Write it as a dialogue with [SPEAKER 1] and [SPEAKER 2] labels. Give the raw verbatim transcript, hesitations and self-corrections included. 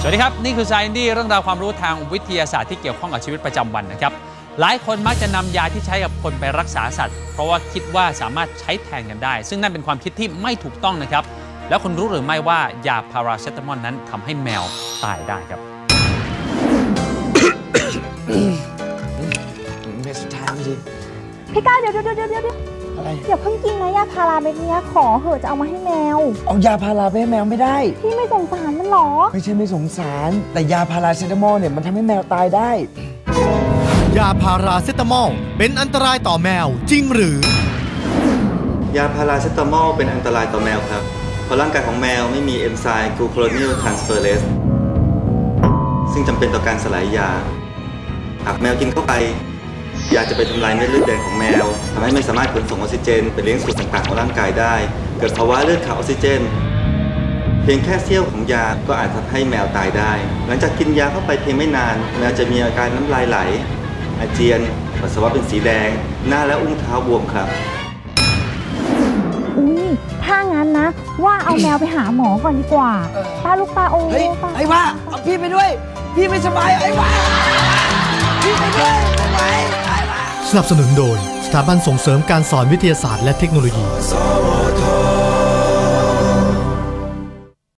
[SPEAKER 1] สวัสดีครับนี่คือ Science ดี้เรื่องราวความรู้ทางวิทยาศาสตร์ที่เกี่ยวข้องกับชีวิตประจำวันนะครับหลายคนมักจะนำยาที่ใช้กับคนไปรักษาสัตว์เพราะว่าคิดว่าสามารถใช้แทนกันได้ซึ่งนั่นเป็นความคิดที่ไม่ถูกต้องนะครับแล้วคุณรู้หรือไม่ว่ายาพาราเซตามอลนั้นทำให้แมวตายได้ครับ
[SPEAKER 2] เม็ดสุดท้ายพอดี
[SPEAKER 3] พี่ก้าวเดี๋ยวเดี๋ยวเดี๋ยวเดี๋ยว
[SPEAKER 2] อะไร
[SPEAKER 3] อย่าเพิ่งกินนะยาพาราเม็ดนี้ขอเหอะจะเอามาให้แมว
[SPEAKER 2] เอายาพาราไปให้แมวไม่ได้
[SPEAKER 3] พี่ไม่สงสารมันหรอ
[SPEAKER 2] ไม่ใช่ไม่สงสารแต่ยาพาราเซตามอลเนี่ยมันทำให้แมวตายได้
[SPEAKER 4] ยาพาราเซตามอลเป็นอันตรายต่อแมวจริงหรือย
[SPEAKER 5] าพาราเซตามอลเป็นอันตรายต่อแมวครับเพราะร่างกายของแมวไม่มีเอนไซม์กลูโคโรนิลทรานสเฟอเรสซึ่งจำเป็นต่อการสลายยาหากแมวกินเข้าไปยาจะไปทำลายเม็ดเลือดแดงของแมวทำให้ไม่สามารถขนส่งออกซิเจนไปเลี้ยงส่วนต่างๆของร่างกายได้เกิดภาวะเลือดขาดออกซิเจนเพียงแค่เสี้ยวของยาก็อาจทำให้แมวตายได้หลังจากกินยาเข้าไปเพียงไม่นานแมวจะมีอาการน้ำลายไหลอาเจียนปัสสาวะเป็นสีแดงหน้าและอุ้งเท้าบวมครับ
[SPEAKER 3] อุ้ยถ้างั้นนะว่าเอาแมวไปหาหมอก่อนดีกว่าป้าลูกป้าโอ้
[SPEAKER 2] ยไอ้ว่าเอาพี่ไปด้วยพี่ไม่สบายไอ้ว่าพี่ไปด้วยไม่ไหวไอ้ว่า
[SPEAKER 4] สนับสนุนโดยสถาบันส่งเสริมการสอนวิทยาศาสตร์และเทคโนโลยี